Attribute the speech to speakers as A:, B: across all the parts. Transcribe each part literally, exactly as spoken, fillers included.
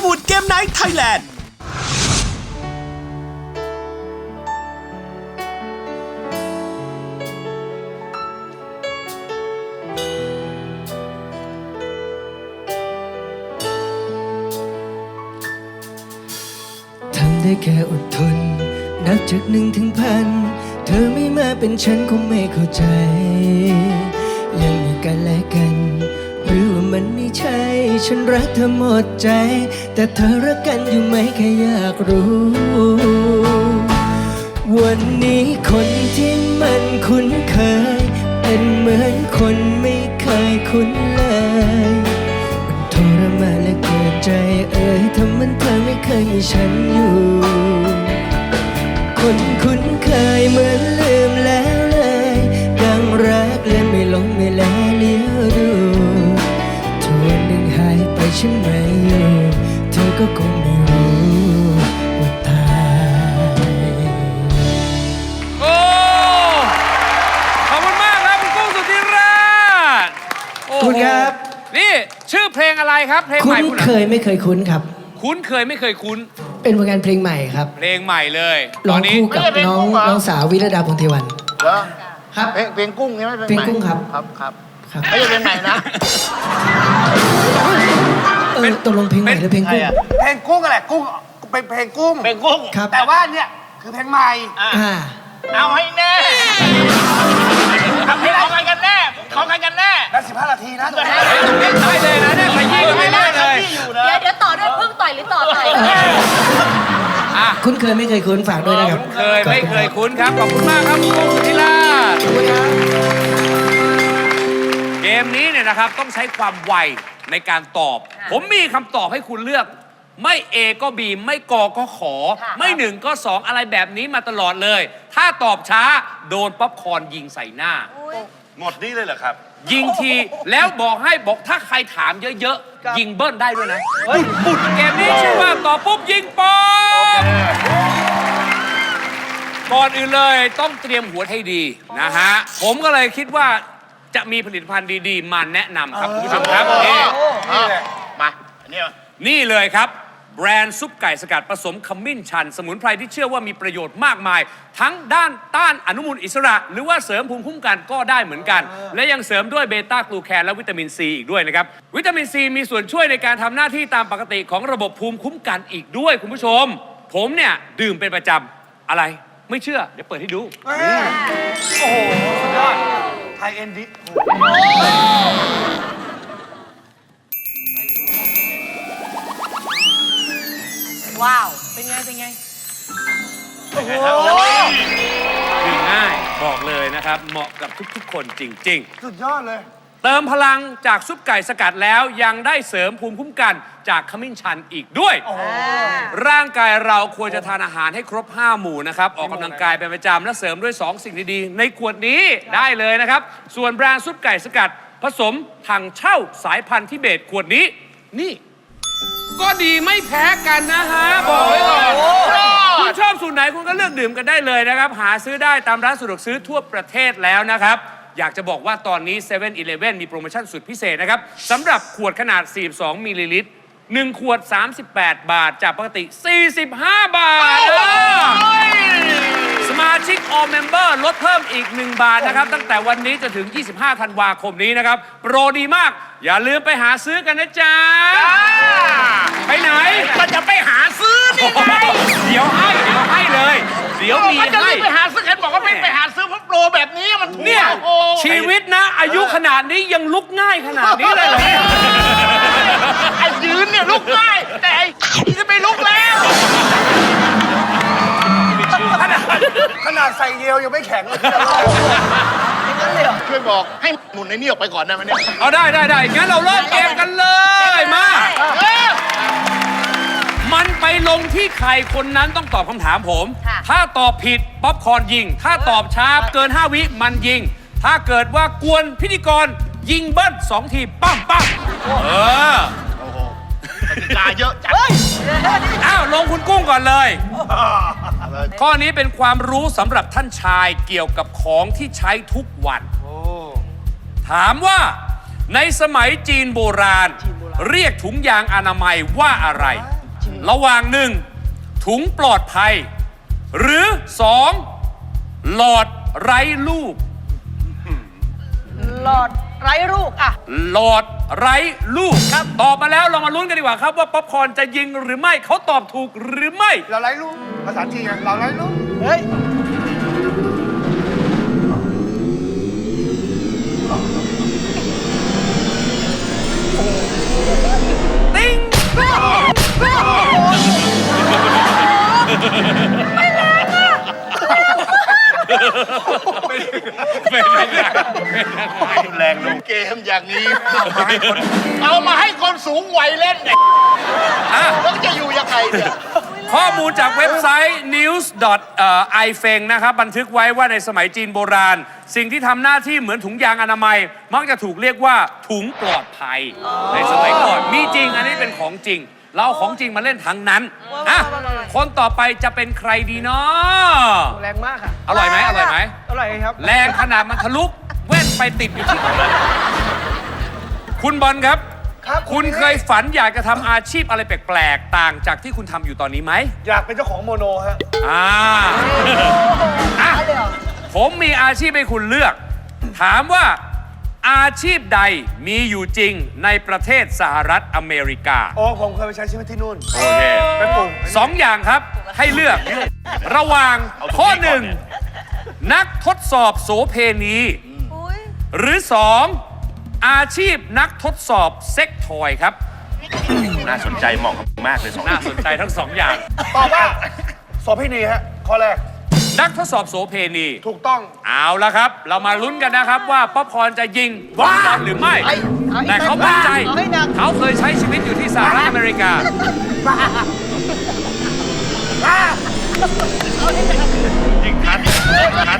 A: วูดเกมไนท์ไทยแลนด์
B: ทำได้แค่อดทนนับจากหนึ่งถึงพันเธอไม่มาเป็นฉันคงไม่เข้าใจยังมีกันและกันหรือว่ามันไม่ใช่ฉันรักเธอหมดใจแต่เธอรักกันอยู่ไหมแค่อยากรู้วันนี้คนที่มันคุ้นเคยเป็นเหมือนคนไม่เคยคุ้นเลยมันทรมานและเกิดใจเอ่ยทำมันเธอไม่เคยมีฉันอยู่คนคุ้นเคยเหมือนลืมแล้วเลยดังรักเลือนไม่ลงไม่แลเลี้ยวดูทวนหนึ่งหายไปฉันไม่อยู่เธอก็คงไม่รู้ว่าตาย
C: โอ้ขอบคุณมากครับคุณกุ้งสุธิราช
B: คุณครับ
C: นี่ชื่อเพลงอะไรครับเพลงให
B: คุ้
C: ม่
B: น
C: คุณ
B: เคยไม่เคยคุ้นครับ
C: คุ้นเคยไม่เคยคุ้น
B: เป็นผลงานเพลงใหม่ครับ
C: เพลงใหม่เลย
B: ร้องคู่กับน้องน้องสาววิรดาพงษ์เทวัน
D: เหรอ
B: ครับ
D: เพลงเพลงกุ้งใช่ไหม
B: เพลงกุ้งครับ
D: ครับครับ
B: ครับ
D: ไม่ใช่เพลงไหนนะ
B: เออตกลงเพลงใหม่หรือเพลงกุ้ง
D: เพลงกุ้งอะไรกุ้งเป็นเพลงกุ้งเพลงกุ้ง
B: ครับ
D: แต่ว่าเนี่ยคือเพลงใหม่
B: อ่า
D: เอาให้แน่เอาให้เอาไงกันแน่ขอไงกันแน่แล้วสิบห้านาทีนะตรงนี้
C: ได้เลยนะเนี่ยขยี้กันไม่ได้เลย
E: เดี๋ยวเดี๋ยวต่อด้วยพึ่งต่อยหรือต่อต่อย
C: อ่ะ
B: คุ้นเคยไม่เคยคุ้นฝากด้วยนะครับ
C: เคยไม่เคยคุ้นครับขอบคุณมากครับคุณกุ้งสุธิราชเกมนี้เนี่ยนะครับต้องใช้ความไวในการตอบ ผมมีคำตอบให้คุณเลือกไม่ A ก็ B ไม่กก็ขอไม่หนึ่งก็สองอะไรแบบนี้มาตลอดเลย ถ้าตอบช้าโดนป๊อปคอร์นยิงใส่หน้า
D: หมดนี้เลยเหรอครับ
C: ยิงทีแล้วบอกให้บอกถ้าใครถามเยอะๆยิงเบิ้ลได้ด้วยนะปุดปุดเกมนี้ชื่อว่าตอบปุ๊บยิงป๊อปก่อนอื่นเลยต้องเตรียมหัวให้ดีนะฮะผมก็เลยคิดว่าจะมีผลิตภัณฑ์ดีๆมาแนะนำครับคุณผู้ชมครับนี่
D: มาอันนี้
C: นี่เลยครับแบรนด์ซุปไก่สกัดผสมขมิ้นชันสมุนไพรที่เชื่อว่ามีประโยชน์มากมายทั้งด้านต้านอนุมูลอิสระหรือว่าเสริมภูมิคุ้มกันก็ได้เหมือนกันและยังเสริมด้วยเบต้ากลูแคนและวิตามินซีอีกด้วยนะครับวิตามินซีมีส่วนช่วยในการทำหน้าที่ตามปกติของระบบภูมิคุ้มกันอีกด้วยคุณผู้ชมผมเนี่ยดื่มเป็นประจำอะไรไม่เชื่อเดี๋ยวเปิดให้ดู
D: โอ้โหสุดยอดไทยเอ็นดิ
E: ว้าวเป็นไงเป็นไง
C: โอ้โหดื่มง่ายบอกเลยนะครับเหมาะกับทุกๆคนจริงๆ
D: สุดยอดเลย
C: เติมพลังจากซุปไก่สกัดแล้วยังได้เสริมภูมิคุ้มกันจากขมิ้นชันอีกด้วยร่างกายเราควรจะทานอาหารให้ครบห้าหมู่นะครับออกกำลังกายเป็นประจำและเสริมด้วยสองสิ่งดีๆในขวดนี้ได้เลยนะครับส่วนแบรนด์ซุปไก่สกัดผสมถังเช่าสายพันธุ์ทิเบตขวดนี้นี่ก็ดีไม่แพ้กันนะฮะบอกไว้ก่อนคุณชอบสูตรไหนคุณก็เลือกดื่มกันได้เลยนะครับหาซื้อได้ตามร้านสะดวกซื้อทั่วประเทศแล้วนะครับอยากจะบอกว่าตอนนี้เซเว่นอีเลฟเว่นมีโปรโมชั่นสุดพิเศษนะครับสำหรับขวดขนาดสี่สิบสองมิลลิลิตรหนึ่งขวดสามสิบแปดบาทจากปกติสี่สิบห้าบาทสมาชิก All Member ลดเพิ่มอีกหนึ่งบาทนะครับตั้งแต่วันนี้จนถึงยี่สิบห้าธันวาคมนี้นะครับโปรดีมากอย่าลืมไปหาซื้อกันนะจ๊ะไปไหน
D: มันจะไปหาซื้อนี่ไง
C: เดี๋ยวให้เดี๋ยวให้เลยเดี๋ยวมีให้
D: ไปหาซื้อเห็นบอกว่าไม่ไปหาซื้อเพราะโปรแบบนี้มันถูก
C: เนี่ยชีวิตนะอายุขนาดนี้ยังลุกง่ายขนาดนี้เลยเหรอ
D: ไอ้ยืนเนี่ยลุกง่ายแต่ไอ้จะไม่ลุกแล้วขนาดใส่เดียวยังไม่แข็งเลยช่วยบอกให้หมุนในนี่ออกไปก่อนได้ไหมเนี่ย
C: เอาได้ได้ได้งั้นเราเริ่มเกมกันเลยมามันไปลงที่ใครคนนั้นต้องตอบคำถามผมถ้าตอบผิดป๊อปคอร์นยิงถ้าตอบช้าเกินห้าวิมันยิงถ้าเกิดว่ากวนพิธีกรยิงเบิ้ลสองทีปั้มปั้มเออ
D: โอ้โหกติกาเยอะจัง
C: อ้าวลงคุณกุ้งก่อนเลยข้อนี้เป็นความรู้สำหรับท่านชายเกี่ยวกับของที่ใช้ทุกวันถามว่าในสมัยจีนโบราณเรียกถุงยางอนามัยว่าอะไรระหว่างหนึ่งถุงปลอดภัย หรือสองหลอดไร้ลูก
E: หลอดไร้ลูกอ่ะ
C: หลอดไร้ลูกครับตอบมาแล้วเรามาลุ้นกันดีกว่าครับว่าป๊อปคอร์นจะยิงหรือไม่เขาตอบถูกหรือไม่
D: เราไร้ลูกภาษาจีนไงเราไร้ลูก
E: เฮ้ย
C: ติ้งไม่แรงอะไม่แรง
D: แรงลงเกมอย่างนี้เอามาให้คนสูงวัยเล่นเนี่ย
C: อ่ะ
D: แล้วจะอยู่ยังไงเนี่ย
C: ข้อมูลจากเว็บไซต์ นิวส์ ดอท ไอ เฟง นะครับบันทึกไว้ว่าในสมัยจีนโบราณ สิ่งที่ทำหน้าที่เหมือนถุงยางอนามัย มักจะถูกเรียกว่าถุงปลอดภัย ในสมัยก่อนมีจริงอันนี้เป็นของจริง เราเอาของจริงมาเล่นทั้งนั้นอ่ะคนต่อไปจะเป็นใครดีเนาะ
E: แรงมากค่ะ
C: อร่อยไหมอร่อยไหม
E: อร่อยครับ
C: แรงขนาดมันทะลุแว่นไปติดอยู่ที่คุณบอลครับ
D: ครับ
C: คุณเคยฝันอยากจะทำอาชีพอะไรแปลกๆ ต่างจากที่คุณทำอยู่ตอนนี้ไหม
D: อยากเป็นเจ้าของโมโนฮะ
C: อ่าอ่ะผมมีอาชีพให้คุณเลือก ถามว่าอาชีพใดมีอยู่จริงในประเทศสหรัฐอเมริกา
D: โอ้ผมเคยไปใช้ชีวิตที่นู่น
C: โอเค
D: ไปปลูก
C: สองอย่างครับให้เลือก ระหว่างข้อหนึ่งนักทดสอบโสเพณี หรือสองอาชีพนักทดสอบเซ็กทอยครับ
A: น่าสนใจเหมาะกับมากเลยสอง
C: น่าสนใจทั้งสองอย่าง
D: ตอบว่าโสเภณีฮะข้อแรก
C: นักทดสอบโสเพณี
D: ถูกต้อง
C: เอาละครับ เรามาลุ้นกันนะครับว่าป๊อปคอร์นจะยิงบอลบอลหรือไม่
E: ไอ้ไอ้
C: แต่เขามั่นใจ
E: เอาให้หนัก
C: เขาเคยใช้ชีวิตอยู่ที่สหรัฐอเมริกา
A: ยิงทันทัน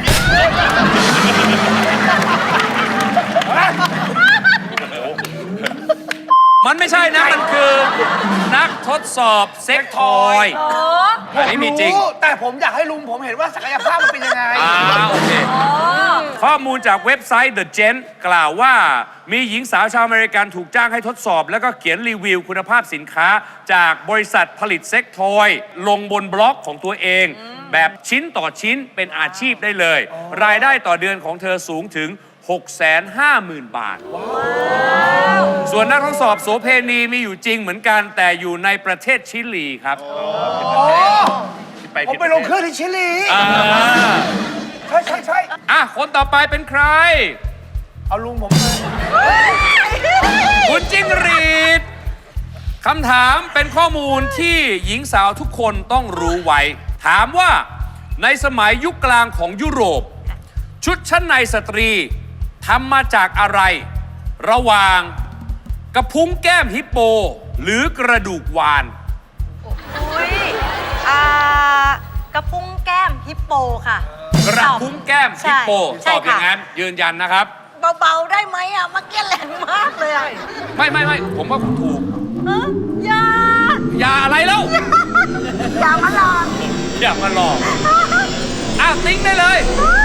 C: มันไม่ใช่นะ มันคือนักทดสอบเซ็กทอยอันนี้มีจริง
D: แต่ผมอยากให้ลุงผมเห็นว่าศักยภาพมันเป็นยังไง
C: อ่าโอเค ข้อมูลจากเว็บไซต์ The Gent กล่าวว่ามีหญิงสาวชาวอเมริกันถูกจ้างให้ทดสอบ แล้วก็เขียนรีวิวคุณภาพสินค้า จากบริษัทผลิตเซ็กทอย ลงบนบล็อกของตัวเอง แบบชิ้นต่อชิ้นเป็นอาชีพได้เลย รายได้ต่อเดือนของเธอสูงถึง หกแสนห้าหมื่น บาท ส่วนนักทดสอบโสเพณีมีอยู่จริงเหมือนกันแต่อยู่ในประเทศชิลีครับ
A: ไป
D: ผมไปลงเครื่องที่ชิลี
C: อ่า
D: ใช่ใช่ใช่
C: อ่ะคนต่อไปเป็นใคร
D: เอาลุงผมมา
C: คุณจิ้งหรีดคำถามเป็นข้อมูลที่หญิงสาวทุกคนต้องรู้ไว้ ถามว่าในสมัยยุคกลางของยุโรป ชุดชั้นในสตรีทำมาจากอะไร ระหว่างกระพุ้งแก้มฮิปโป หรือกระดูกวาน
F: อุ้ยอ่ากระพุ้งแก้มฮิปโปค่ะ
C: กระพุ้งแก้มฮิปโป
F: ใช่
C: ตอบอย่าง
F: ค่ะ
C: นั้นยืนยันนะครับ
F: เบาๆได้ไหมอ่ะเมื่อกี้แรงมากเลยอ่ะ
C: ไม่ไม่ไม่ผมว่าคุณถูก
F: เอ้ยอย่า
C: อย่าอะไรแล้ว
F: อย่ามาหลอก
C: อย่ามาหลอกอ่ะติ้งได้เลย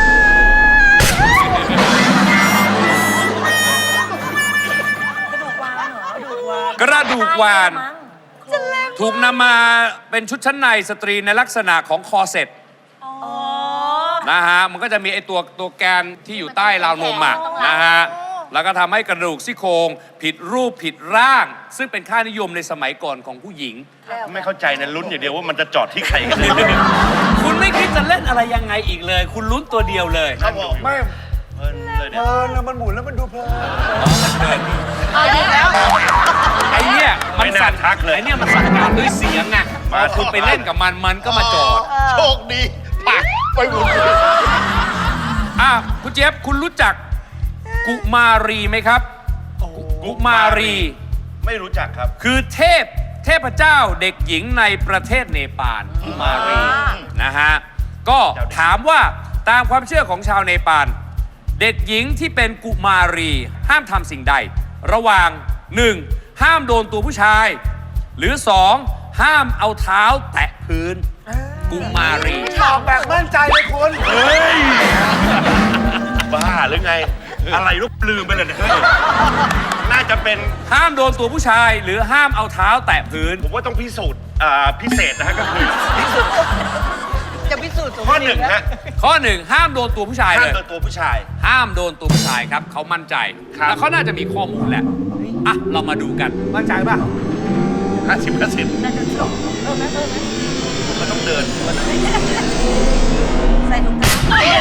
C: กระดูกวาน ถูกนำมาเป็นชุดชั้นในสตรีในลักษณะของคอเซ็ตนะฮะ มันก็จะมีไอตัวตัวแกนที่อยู่ใต้ราวนมอ่ะนะฮะ แล้วก็ทำให้กระดูกซี่โครงผิดรูปผิดร่าง ซึ่งเป็นค่านิยมในสมัยก่อนของผู้หญิง
A: ไม่เข้าใจนะลุ้นอย่างเดียวว่ามันจะจอดที่ใครกัน
C: คุณไม่คิดจะเล่นอะไรยังไงอีกเลย คุณลุ้นตัวเดียวเลย
A: ครับผม
D: ไม่
A: เพลินเลย
D: เพ
A: เนี่ย
D: ลินแล้วมันหมุนแล้วมันดูเพลิน
E: เอาอีกแล้ว
C: ไอเนี่ยมัน
A: ไม่น่า
C: สั่น
A: ทักเลย
C: ไอเนี่ยมันสั่งการด้วยเสียงไงพอคุณไปเล่นกับมันมันก็มาจอด
D: โชคดีปักไปหมุน
C: อ่ะคุณเจี๊ยบคุณรู้จักกุมารีไหมครับ กุมารี
A: ไม่รู้จักครับ
C: คือเทพเทพเจ้าเด็กหญิงในประเทศเนปาลกุมารีนะฮะก็ถามว่าตามความเชื่อของชาวเนปาลเด็กหญิงที่เป็นกุมารีห้ามทำสิ่งใด ระหว่าง หนึ่ง ห้ามโดนตัวผู้ชาย หรือ สอง ห้ามเอาเท้าแตะพื้น กุมารี
D: ตอบแบบมั่นใจเลยคุณ
A: เฮ้ย บ้าหรือไง อะไรลูกลืมไปเลยเนี่ยน่าจะเป็น
C: ห้ามโดนตัวผู้ชายหรือห้ามเอาเท้าแตะพื้น
A: ผมว่าต้องพิสูจน์อ่าพิเศษนะฮะก็คือ
E: จะพิสูจน์
A: ข้อหนึ่งฮะ
C: ข้อหนึ่งห้ามโดนตัวผู้ชาย
A: ห้าม
C: เลย
A: โดนตัวผู้ชาย
C: ห้ามโดนตัวผู้ชายครับเขามั่นใจ
A: ครับ
C: แล้วเขาน่าจะมีข้อมูลแหละอ่ะเรามาดูกัน
E: มั่นใจป่ะ
A: ห้าสิบห้าสิบ
F: น่าจะจบ
A: มันต้องเดิน
F: ใส่ถุงเท้า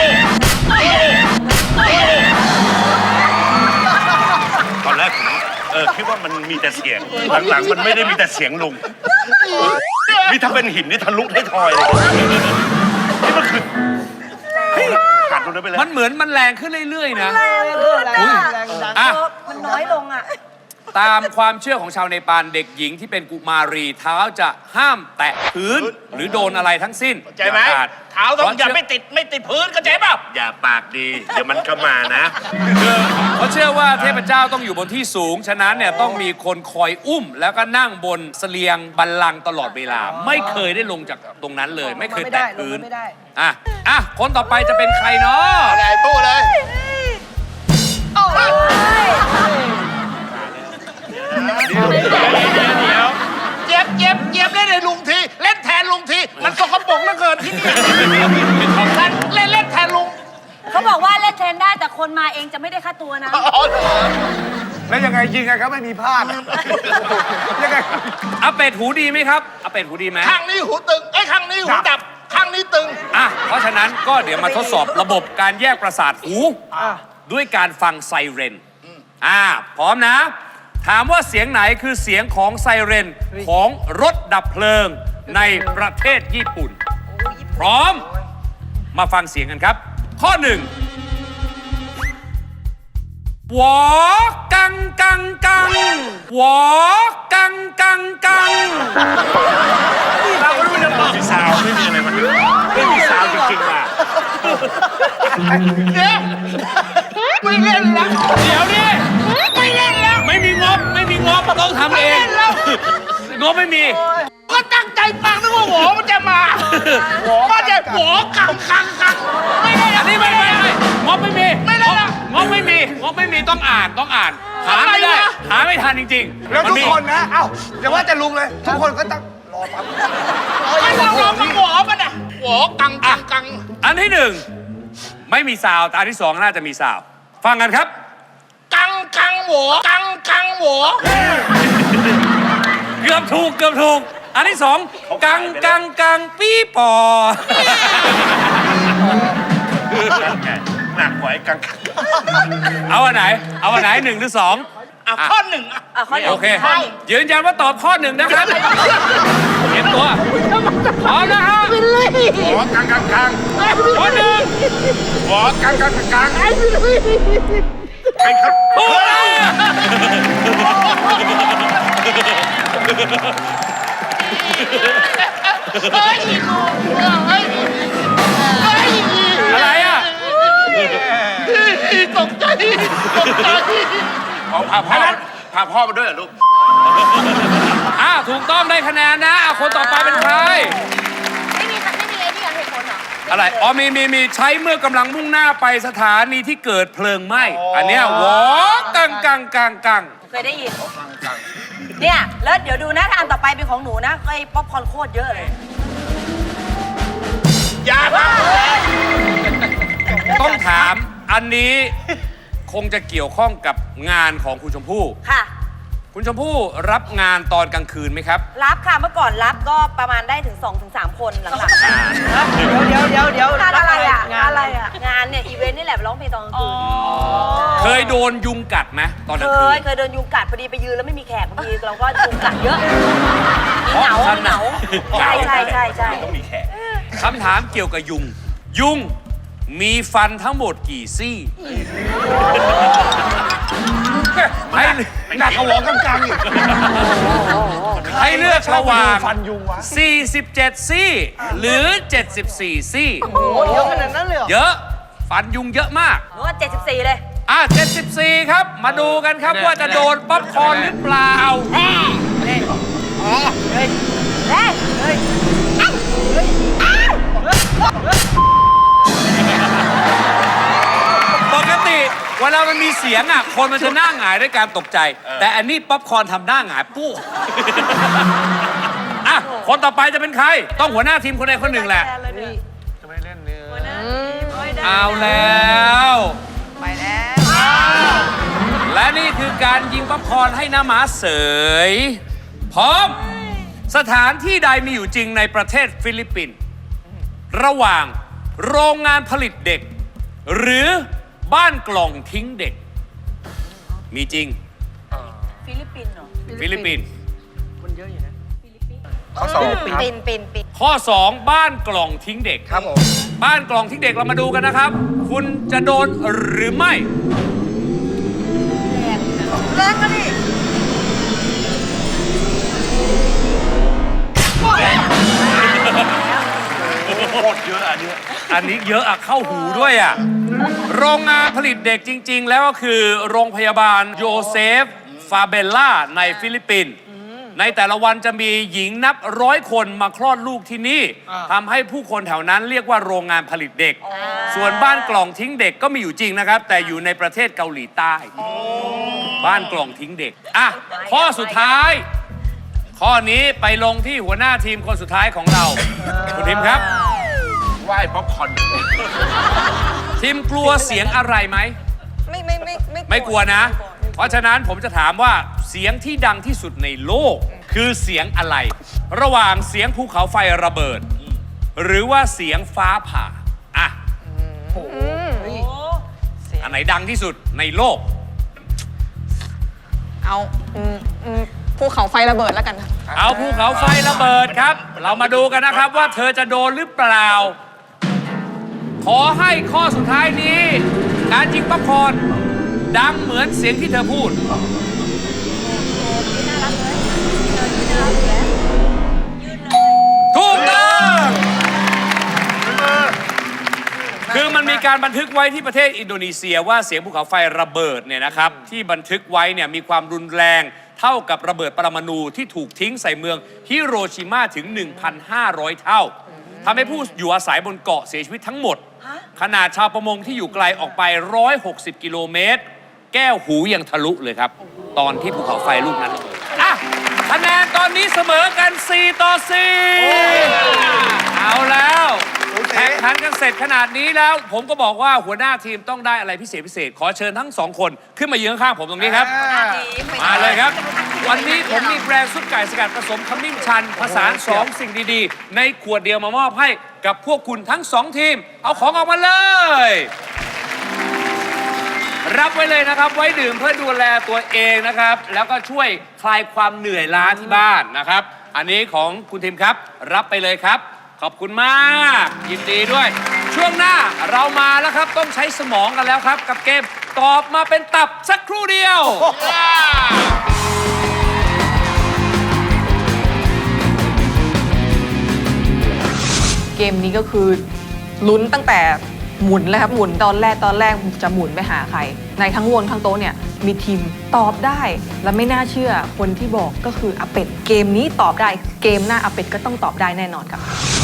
A: ตอนแรกผมเออคิดว่ามันมีแต่เสียง หลังๆ มันไม่ได้มีแต่เสียงลุงนี่ถ้าเป็นหินนี่ทะลุให้ทอยเลยนี่มันคือเฮ้ยขาดตรงนั้นไปแล้ว
C: มันเหมือนมันแรงขึ้นเรื่อยๆนะ
F: แรงขึ้น
C: อุ๊ย
F: อ่ะ
E: แรงดัง
C: อ่ะ
F: เออมันน้อยลงอ่ะ
C: ตามความเชื่อของชาวเนปาลเด็กหญิงที่เป็นกุมารีเท้าจะห้ามแตะพื้นหรือโดนอะไรทั้งสิ้น
D: ใจไหม
C: อย่าขาด
D: เท้าต้องอย่าไม่ติดไม่ติดพื้นเข้าใจเปล่า
A: อย่าปากดี เดี๋ยวมันก็มานะ
C: เขาเชื่อว่าเทพเจ้าต้องอยู่บนที่สูง ฉะนั้นเนี่ยต้องมีคนคอยอุ้ม แล้วก็นั่งบนเสลียงบัลลังก์ตลอดเวลา ไม่เคยได้ลงจากตรงนั้นเลย ไม่เคยแตะพื้น
E: ไม่ได้
C: อ่ะอ่ะคนต่อไปจะเป็นใครเนาะ
D: อะไรพูดเลย เจี๊ยบเจี๊ยบเจี๊ยบเล่นในลุงที เล่นแทนลุงที มันสกปรกเหลือเกินที่นี่เล่นเล่นแทนลุง
F: เขาบอกว่าเล่นเทรนได้แต่คนมาเองจะไม่ได้ค่าตัวนะ
E: แล้วยังไงยิงไงครับไม่มีพลาดยังไง
C: อาเป็ดหูดีไหมครับอาเป็ดหูดีไหม
D: ข้างนี้หูตึงไอ้ยข้างนี้หูดับ ข้างนี้ตึง
C: อ่ะเพราะฉะนั้นก็เดี๋ยวมาทดสอบระบบการแยกประสาทหู ด้วยการฟังไซเรน อ่า พร้อมนะ ถามว่าเสียงไหนคือเสียงของไซเรนของรถดับเพลิงในประเทศญี่ปุ่น พร้อม มาฟังเสียงกันครับ ข้อหนึ่งหวอกังกังกังหวอกังกังกัง
A: เราไม่รู้จะบอกมีซาวไม่มีอะไรมันไม่มีซาวจริงๆว่ะ
D: ไม่เล่นแล้ว
C: เดี๋ยวนี่
D: ไม่เล่นแล้ว
C: ไม่มีงบ ไม่มีงบต้องทำเอง งบไม่มี
D: ก็ตั้งใจฟังนึกว่าหวอมันจะมามันจะหวอกังกังกังไม่เล่น
C: อันนี้ไม่ไม่ไม่งบไม่มี
D: ไม่เล่นละ
C: งบไม่มีงบไม่มีต้องอ่านต้องอ่าน หาไม่ได้ หาไม่ทันจริงๆ
E: แล้ว
C: มั
E: ทุก
C: มี
E: คนนะ เอ้าอย่าว่าจะลุงเลย ทุกคนก็ต้องรอปั๊บ
D: ไม่ลองลองมาหวอมันอ่ะหวอกังกังกัง
C: อันที่หนึ่งไม่มีซาวด์แต่อันที่สองน่าจะมีซาวด์ฟังกันครับ
D: กังกังหวอกังกังหวอ
C: เกือบถูกเกือบถูก อันที่สองกังกังกังปี้ปอ
A: หนักกว่าไอ้กัง
C: เอาอันไหน เอาอันไหนหนึ่งหรือสอง
D: อ่ะข้อหนึ่งอ่ะ
F: อ่ะข้อหนึ่ง
C: โอเค
F: ใช่
C: ยืนยันว่าตอบข้อหนึ่งนะครับเห็นตัวพร้อมนะฮะ
A: หัวกังกังกัง
C: ข้อหนึ่ง
A: หัวกังกังกังกังไอ้ครับ
C: ถูกแล้ว
D: เฮ้ยเฮ้ยเฮ้ย
C: อะไรอ่ะ
D: ตกใจตกใจ
A: เอาพาพ่อพาพ่อมาด้วยเหรอลูก
C: อ่าถูกต้องได้คะแนนนะอ่ะคนต่อไปเป็นใคร
F: ไม่มีไม่มีไอ้นี่เหตุผลเหรอ
C: อะไร อ๋อมีมีมีใช้เมื่อกำลังมุ่งหน้าไปสถานีที่เกิดเพลิงไหม้ อันเนี้ยวอกังกังกังกัง
F: เคยได้ยินเนี่ย แล้วเดี๋ยวดูนะถ้าอันต่อไปเป็นของหนูนะไอ้ป๊อปคอร์นโคตรเยอะเลย
D: อย่ามา
C: ต้องถามอันนี้คงจะเกี่ยวข้องกับงานของคุณชมพู่
F: ค่ะ
C: คุณชมพู่รับงานตอนกลางคืนไหมครับ
F: รับค่ะ เมื่อก่อนรับก็ประมาณได้ถึง 2-3ถึงสามคนหลัง
E: เดี๋ยวเดี๋ยวเดี๋ยว
F: ๆงานอะไรอ่ะ
E: งาน
F: อะไรอ่ะ งานเนี่ย อีเวนต์นี่แหละร้องเพลงตอนกลางคืน
C: เคยโดนยุงกัดไหมตอนกลาง
F: เค
C: คื
F: ย
C: น
F: เคยเดินยุงกัดพอดีไปยืนแล้วไม่มีแขกบางทีเราก็ยุงกัดเยอะมีเหงามีเหงาใช่ใช่ใช่ใช่
A: ต้องมีแขก
C: คำถามเกี่ยวกับยุง ยุงมีฟันทั้งหมดกี่ซี่ ให้
E: หนักกว่าหัวกังกังอีก
C: ให้เลือกระหว่าง
E: ฟันยุงวะ
C: สี่สิบเจ็ด ซี่ หรือ เจ็ดสิบสี่ ซี่
E: โอ้ยเยอะขนาดนั้นเลยเหรอ
C: เยอะ ฟันยุงเยอะมาก
F: หนูว่าเจ็ดสิบสี่เลย
C: อ่ะเจ็ดสิบสี่ ครับ มาดูกันครับว่าจะโดนป๊อปคอร์นหรือเปล่า
F: แน่เฮ้ยเฮ้ยเฮ้ยเฮ้ยเอ้าเฮ้ยอ้าว
C: ปกติเวลามันมีเสียงอ่ะคนมันจะหน้าหงายด้วยการตกใจ แต่อันนี้ป๊อปคอร์นทำหน้าหงายปุ๊บอ่ะคนต่อไปจะเป็นใคร ต้องหัวหน้าทีมคนใดคนหนึ่งแหละ
D: จะไม่เล่นเนื้อ
C: เอาแล้ว
G: ไปแล้ว
C: และนี่คือการยิงป๊อปคอร์นให้น้าหมาเสย พร้อม สถานที่ใดมีอยู่จริงในประเทศฟิลิปปินส์ระหว่างโรงงานผลิตเด็ก หรือบ้านกล่องทิ้งเด็ก มีจริง
F: ฟิลิปปินส์เหรอ
C: ฟิลิปปินส์
E: ข้อสอง
G: ปินปินปิน
C: ข้อ สอง บ้านกล่องทิ้งเด็ก
E: ครับผม
C: บ้านกล่องทิ้งเด็กเรามาดูกันนะครับ คุณจะโดนหรือไม่
G: แรงอะดิ
A: โคตรเยอะอันเนี้ย
C: อันนี้เยอะอะเข้าหูด้วยอะโรงงานผลิตเด็กจริง ๆ แล้วก็คือโรงพยาบาลโยเซฟ ฟาเบลล่าในฟิลิปปินส์ในแต่ละวันจะมีหญิงนับร้อยคนมาคลอดลูกที่นี่ทำให้ผู้คนแถวนั้นเรียกว่าโรงงานผลิตเด็ก ส่วนบ้านกล่องทิ้งเด็กก็มีอยู่จริงนะครับ แต่อยู่ในประเทศเกาหลีใต้ บ้านกล่องทิ้งเด็กอ่ะข้อสุดท้าย ข้อนี้ไปลงที่หัวหน้าทีมคนสุดท้ายของเราคุณทิมครับ
A: ไหว้ป๊อปคอร์น
C: ทีมกลัวเสียงอะไรไหม
G: ไม่ไม่ไม่ไม่
C: ไม่กลัวนะ เพราะฉะนั้นผมจะถามว่าเสียงที่ดังที่สุดในโลก คือเสียงอะไร ระหว่างเสียงภูเขาไฟระเบิด หรือว่าเสียงฟ้าผ่าอ่ะอันไหนดังที่สุดในโลก
G: เอาอืมอืมภูเขาไฟระเบิดแล้วกัน
C: เอาภูเขาไฟระเบิดครับ เรามาดูกันนะครับว่าเธอจะโดนหรือเปล่า ขอให้ข้อสุดท้ายนี้ การยิงป๊อปคอร์นดังเหมือนเสียงที่เธอพูด ถูกต้องคือมันมีการบันทึกไว้ที่ประเทศอินโดนีเซียว่าเสียงภูเขาไฟระเบิดเนี่ยนะครับที่บันทึกไว้เนี่ยมีความรุนแรงเท่ากับระเบิดปรมาณูที่ถูกทิ้งใส่เมืองฮิโรชิมาถึง หนึ่งพันห้าร้อย เท่าทำให้ผู้อยู่อาศัยบนเกาะเสียชีวิตทั้งหมด ขนาดชาวประมงที่อยู่ไกลออกไป หนึ่งร้อยหกสิบ กิโลเมตร แก้วหูยังทะลุเลยครับ ตอนที่ภูเขาไฟลูกนั้นระเบิดอ่ะคะแนนตอนนี้เสมอกัน สี่ ต่อ สี่ เอาแล้วแข่งขันกันเสร็จขนาดนี้แล้ว ผมก็บอกว่าหัวหน้าทีมต้องได้อะไรพิเศษพิเศษ ขอเชิญทั้งสองคนขึ้นมายืนข้างๆผมตรงนี้ครับ มาเลยครับ วันนี้ผมมีแบรนด์ซุปไก่สกัดผสมขมิ้นชันผสานสองสิ่งดีๆ ในขวดเดียวมามอบให้กับพวกคุณทั้งสองทีม เอาของออกมาเลย รับไว้เลยนะครับ ไว้ดื่มเพื่อดูแลตัวเองนะครับ แล้วก็ช่วยคลายความเหนื่อยล้าที่บ้านนะครับ อันนี้ของคุณทีมครับ รับไปเลยครับ ขอบคุณมาก ยินดีด้วย ช่วงหน้าเรามาแล้วครับ ต้องใช้สมองกันแล้วครับ กับเกมตอบมาเป็นตับสักครู่เดียว
G: เกมนี้ก็คือลุ้นตั้งแต่หมุนเลยครับหมุนตอนแรกตอนแรกจะหมุนไปหาใคร ในทั้งวงทั้งโต๊ะเนี่ยมีทีมตอบได้และไม่น่าเชื่อคนที่บอกก็คืออาเป็ดเกมนี้ตอบได้เกมหน้าอาเป็ดก็ต้องตอบได้แน่นอนครับ